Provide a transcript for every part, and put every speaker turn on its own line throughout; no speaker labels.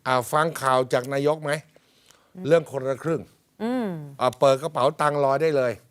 ฟังข่าวจากนายกไหมเรื่องคนละครึ่งเปิดกระเป๋าตังค์รอได้เลย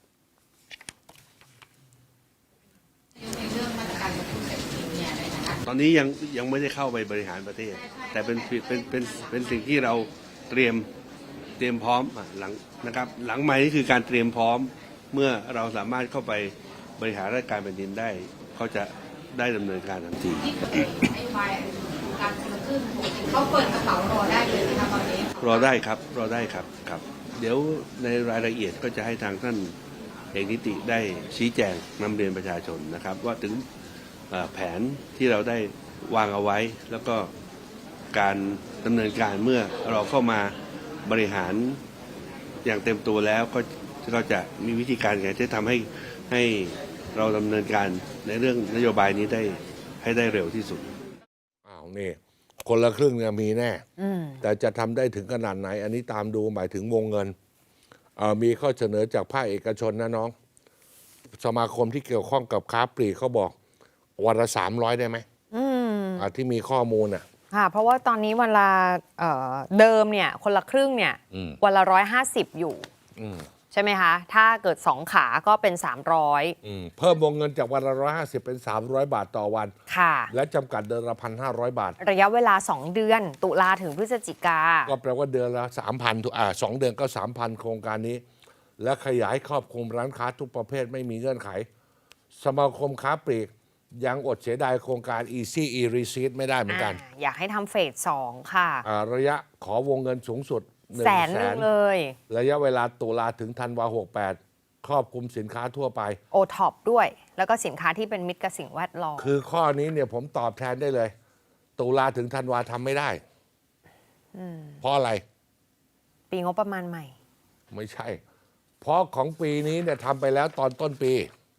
ตอนนี้ยังไม่ได้เข้าไปบริหารประเทศแต่เป็นสิ่งที่เราเตรียมพร้อมหลังนะครับหลังใหม่นี่คือการเตรียมพร้อมเมื่อเราสามารถเข้าไปบริหารราชการแผ่นดินได้เขาจะได้ดำเนินการทันที
การคนละครึ่งเขาเปิดกระเป๋ารอได้เลยนะคะตอนนี้
รอได้ครับเดี๋ยวในรายละเอียดก็จะให้ทางท่านเอกนิติได้ชี้แจงนำเรียนประชาชนนะครับว่าถึงแผนที่เราได้วางเอาไว้แล้วก็การดำเนินการเมื่อเราเข้ามาบริหารอย่างเต็มตัวแล้วก็จะมีวิธีการไงที่ทำให้เราดำเนินการในเรื่องนโยบายนี้ได้ให้ได้เร็วที่สุด
นี่คนละครึ่งเนี่ยมีแน่แต่จะทำได้ถึงขนาดไหนอันนี้ตามดูหมายถึงวงเงินมีข้อเสนอจากภาคเอกชนนะน้องสมาคมที่เกี่ยวข้องกับค้าปลีกเขาบอกวันละ300ได้ไหมที่มีข้อมูล
ค่ะเพราะว่าตอนนี้วันละเดิมเนี่ยคนละครึ่งเนี่ยวันละ150อยู่ใช่ไหมคะถ้าเกิด2ขาก็เป็น300
เพิ่มวงเงินจากวันละ150เป็น300 บาทต่อวัน
ค่ะ
และจำกัดเดือนละ1,500 บาท
ระยะเวลา2เดือนตุลาถึงพฤศจิกา
ก็แปลว่าเดือนละ 3,000 2 เดือนก็ 3,000 โครงการนี้และขยายครอบคลุมร้านค้าทุกประเภทไม่มีเงื่อนไขสมาคมค้าปลีกยังอดเสียดายโครงการ Easy E-Receipt ไม่ได้เหมือนกัน
อยากให้ทำเฟส2ค่ะ
ระยะขอวงเงินสูงสุด
100,000เลย
ระยะเวลาตุลาถึงธันวา68ครอบคลุมสินค้าทั่วไป
โอท็อปด้วยแล้วก็สินค้าที่เป็นมิตรกับสิ่งแวดล้อม
คือข้อนี้เนี่ยผมตอบแทนได้เลยตุลาถึงธันวาทำไม่ได้เพราะอะไร
ปีงบประมาณใหม่
ไม่ใช่เพราะของปีนี้เนี่ยทำไปแล้วตอนต้นปี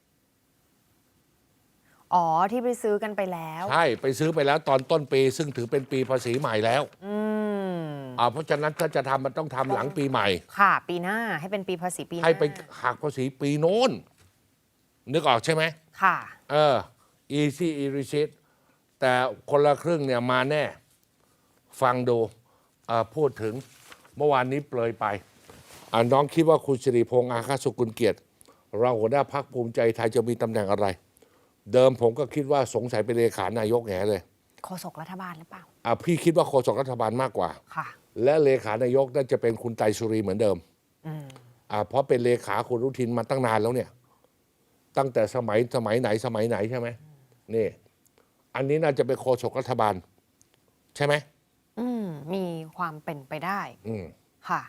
ที่ไปซื้อกันไปแล้ว
ใช่ไปซื้อไปแล้วตอนต้นปีซึ่งถือเป็นปีภาษีใหม่แล้วเพราะฉะนั้นถ้าจะทำมันต้องทำหลังปีใหม่
ค่ะปีหน้าให้เป็นปีภาษีปีหน้า
ให้ไปหักภาษีปีโน้นนึกออกใช่ไหม
ค่ะ
Easy E-Receipt แต่คนละครึ่งเนี่ยมาแน่ฟังดูพูดถึงเมื่อวานนี้เปลยไปน้องคิดว่าคุณสิริพงษ์อาคาสุกุลเกียรติรองหัวหน้าพรรคภูมิใจไทยจะมีตำแหน่งอะไรเดิมผมก็คิดว่าสงสัยเป็นเลขานายกแง่เลย
โฆษกรัฐบาลหรือเปล่า
พี่คิดว่าโฆษกรัฐบาลมากกว่า
ค่ะ
และเลขานายกน่าจะเป็นคุณไตรสุรีเหมือนเดิมเพราะเป็นเลขาคุณอนุทินมาตั้งนานแล้วเนี่ยตั้งแต่สมัยไหนใช่ไหมนี่อันนี้น่าจะเป็นโฆษกรัฐบาลใช่ไหม
มีความเป็นไปได้ค่ะ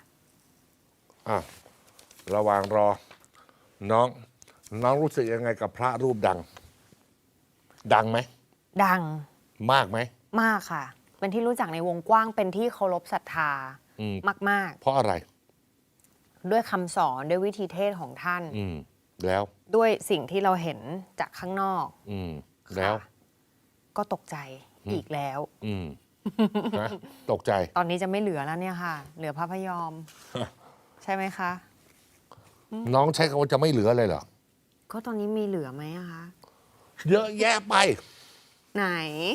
ระหว่างรอน้องรู้สึกยังไงกับพระรูปดังไหม
ดัง
มากไหม
มากค่ะเป็นที่รู้จักในวงกว้างเป็นที่เคารพศรัทธามาก
เพราะอะไร
ด้วยคำสอนด้วยวิธีเทศของท่าน
แล้ว
ด้วยสิ่งที่เราเห็นจากข้างนอก
แล้ว
ก็ตกใจอีกแล้ว
นะตกใจ
ตอนนี้จะไม่เหลือแล้วเนี่ยค่ะเหลือพระพยอม ใช่ไหมคะ
น้องใช้คำว่าจะไม่เหลือเลยเหรอ
ก็ตอนนี้มีเหลือไหมคะ
เยอะแยะไป
ไหน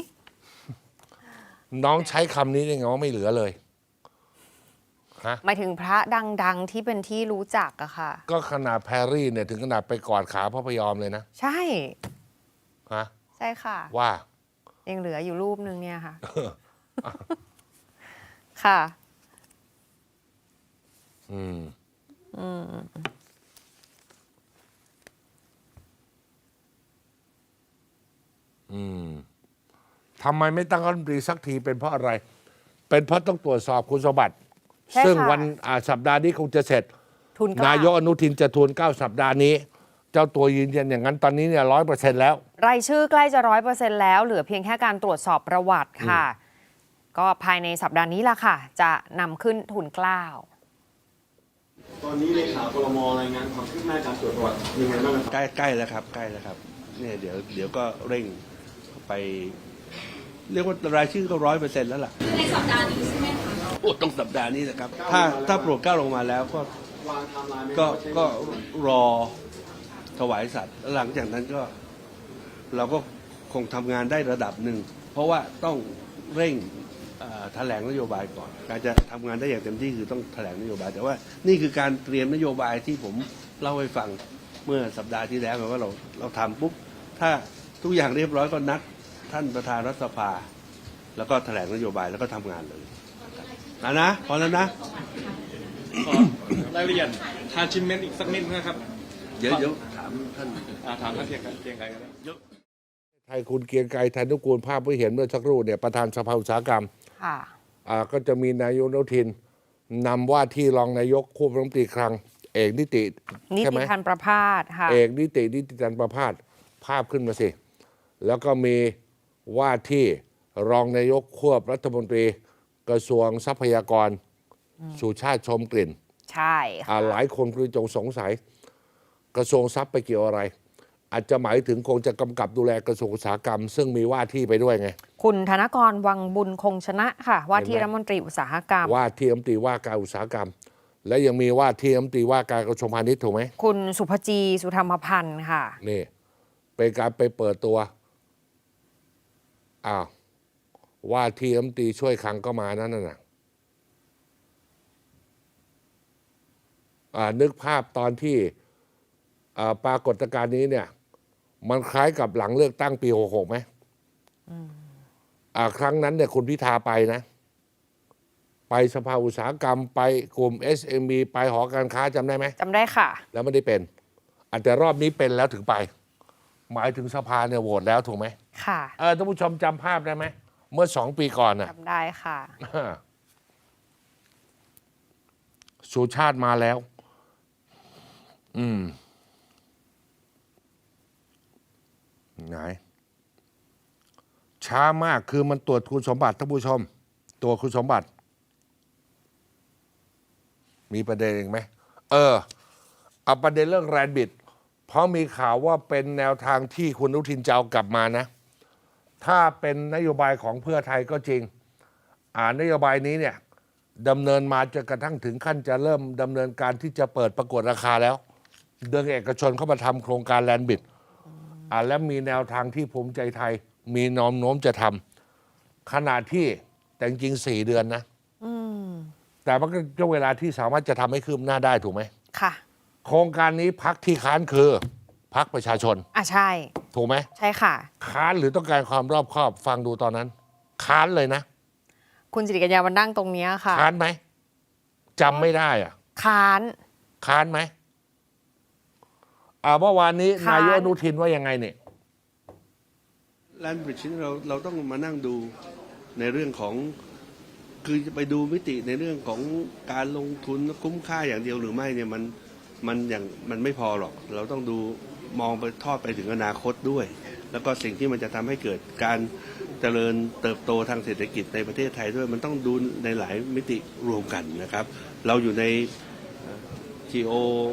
น้องใช้คำนี้ได้ไงว่าไม่เหลือเลย
หมายถึงพระดังๆที่เป็นที่รู้จักอะค่ะ
ก็ขนาดแพรรี่เนี่ยถึงขนาดไปกอดขาพระพยอมเลยนะ
ใช่
ใช่
ค่ะ
ว่า
ยังเหลืออยู่รูปนึงเนี่ยค่ะค่ะ
ทำไมไม่ตั้งรัฐมนตรีสักทีเป็นเพราะอะไรเป็นเพราะต้องตรวจสอบคุณสมบัติซึ่งวันสัปดาห์นี้คงจะเสร็จนายกอนุทินจะทูล9สัปดาห์นี้เจ้าตัวยืนยันอย่างนั้นตอนนี้เนี่ย100%แล้ว
รายชื่อใกล้จะ100%แล้วเหลือเพียงแค่การตรวจสอบประวัติค่ะก็ภายในสัปดาห์นี้ล่ะค่ะจะนำขึ้นทูล9
ตอนนี้เลขาครม.รายงานความคืบหน้าการตรวจประวัติยังไงบ้างครับ
ใกล้แล้วครับเนี่ยเดี๋ยวก็เร่งไปเรียกว่ารายชื่อก็100%แล้วล่ะ
ในสัปดาห์นี้ใช่ไหมคะ
ต้องสัปดาห์นี้นะครับถ้าโปรดเกล้าลงมาแล้วก็รอถวายสัตว์หลังจากนั้นก็เราก็คงทำงานได้ระดับหนึ่งเพราะว่าต้องเร่งแถลงนโยบายก่อนการจะทำงานได้อย่างเต็มที่คือต้องแถลงนโยบายแต่ว่านี่คือการเตรียมนโยบายที่ผมเล่าให้ฟังเมื่อสัปดาห์ที่แล้วไงว่าเราทำปุ๊บถ้าทุกอย่างเรียบร้อยก็นัดท่านประธานรัฐสภาแล้วก็แถลงนโยบายแล้วก็ทำงานเลยนะพอแล้วนะ
ขอรายละเอียดทานชิมเมนต์อีกสักนิดนะครับ
เดี๋ยวถามท่าน
ถามท่านเพียงไกรก็ได้
ไทยคุณเกรียงไกรไทยนุกูลภาพที่เห็นเมื่อสักครู่เนี่ยประธานสภาอุตสาหกรรม
ค่ะ
ก็จะมีนายกอนุทินนำว่าที่รองนายกควบรัฐมนตรีคลังเอกนิติ
นิ
ใช่
ติ
ไหม
พันธ์ประภาสค่ะ
เอกนิติจันทร์ประภาสภาพขึ้นมาสิ แล้วก็มีว่าที่รองนายกควบรัฐมนตรีกระทรวงทรัพยากรสุชาติชมกลิ่น
ใช่ค่ะ
หลายคนคือจงสงสัยกระทรวงทรัพย์ไปเกี่ยวอะไร อาจจะหมายถึงคงจะกำกับดูแลกระทรวงอุตสาหกรรม ซึ่งมีว่าที่ไปด้วยไง
คุณธนกรวังบุญคงชนะค่ะ ว่าที่
เห็นไหม
รัฐมนตรีอุตสาหกรรม
ว่าที่รัฐมนตรีว่าการอุตสาหกรรม และยังมีว่าที่รัฐมนตรีว่าการกระทรวงพาณิชย์ถูกไหม
คุณสุภจีสุธรรมพันธ์ค่ะ
นี่เป็นการไปเปิดตัวว่าที่รัฐมนตรีช่วยคลังก็มานั่นน่ะนึกภาพตอนที่ปรากฏการณ์นี้เนี่ยมันคล้ายกับหลังเลือกตั้งปี66ไหมครั้งนั้นเนี่ยคุณพิธาไปนะ ไปสภาอุตสาหกรรมไปกลุ่ม SME ไปหอการค้าจำได้ไหม
จำได้ค่ะ
แล้วไม่ได้เป็นแต่รอบนี้เป็นแล้วถึงไป หมายถึงสภาเนี่ยโหวตแล้วถูกไหม
ค่ะ
ท่านผู้ชมจำภาพได้ไหมเมื่อ2 ปีก่อนน่ะ
จำได้ค่ะ
สุชาติมาแล้ว ไหน ช้ามากคือมันตรวจคุณสมบัติท่านผู้ชม ตัวคุณสมบัติ มีประเด็นอีกไหมเอาประเด็นเรื่องแรนบิด เพราะมีข่าวว่าเป็นแนวทางที่คุณอนุทินจะเอากลับมานะ ถ้าเป็นนโยบายของเพื่อไทยก็จริง นโยบายนี้เนี่ยดำเนินมาจนกระทั่งถึงขั้นจะเริ่มดำเนินการที่จะเปิดประกวดราคาแล้วเดินเอกชนเข้ามาทำโครงการแลนบิดและมีแนวทางที่ภูมิใจไทย มีแนวโน้มจะทำขณะที่แต่จริงๆ4 เดือนนะแต่มันก็ช่วงเวลาที่สามารถจะทำให้คืบหน้าได้ถูกไหม
ค่ะ
โครงการนี้พักที่ค้านคือพักประชาชน
ใช่
ถูกไหม
ใช่ค่ะ
ค้านหรือต้องการความรอบคอบฟังดูตอนนั้น ค้านเลยนะ
คุณสิริกัญญาวันนั่งตรงเนี้ยค่ะ
ค้านไหมจำไม่ได้
ค้าน
ค้านไหมเมื่อวานนี้
ค้าน
นายกอนุทินว่ายังไงเนี่ย
แลนบริดจ์นี่เราต้องมานั่งดูในเรื่องของคือจะไปดูมิติในเรื่องของการลงทุนคุ้มค่าอย่างเดียวหรือไม่เนี่ยมันไม่พอหรอก เราต้องดูมองไปทอดไปถึงอนาคตด้วย แล้วก็สิ่งที่มันจะทำให้เกิดการเจริญเติบโตทางเศรษฐกิจในประเทศไทยด้วยมันต้องดูในหลายมิติรวมกันนะครับ เราอยู่ใน geo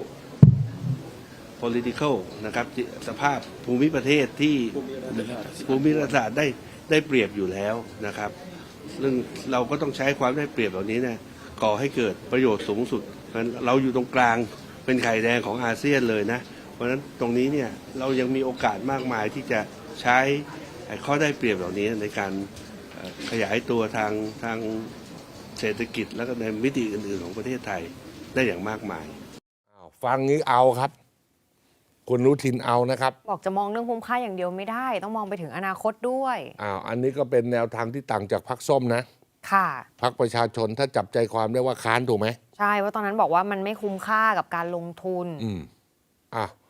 political นะครับสภาพภูมิประเทศที่ภูมิรัฐศาสตร์ได้เปรียบอยู่แล้วนะครับซึ่งเราก็ต้องใช้ความได้เปรียบเหล่านี้เนี่ยก่อให้เกิดประโยชน์สูงสุดเพราะฉะนั้นเราอยู่ตรงกลางเป็นไข่แดงของอาเซียนเลยนะเพราะฉะนั้นตรงนี้เนี่ยเรายังมีโอกาสมากมายที่จะใช้ข้อได้เปรียบเหล่านี้ในการขยายตัวทางเศรษฐกิจและก็ในมิติอื่นๆของประเทศไทยได้อย่างมากมาย
ฟังนี้เอาครับ คุณอนุทินเอานะครับ
บอกจะมองเรื่องคุ้มค่าอย่างเดียวไม่ได้ ต้องมองไปถึงอนาคตด้วย
อันนี้ก็เป็นแนวทางที่ต่างจากพรรคส้มนะ
ค่ะ
พรรคประชาชนถ้าจับใจความได้ว่าค้านถูกไหม
ใช่ว่าตอนนั้นบอกว่ามันไม่คุ้มค่ากับการลงทุน
อ่ะ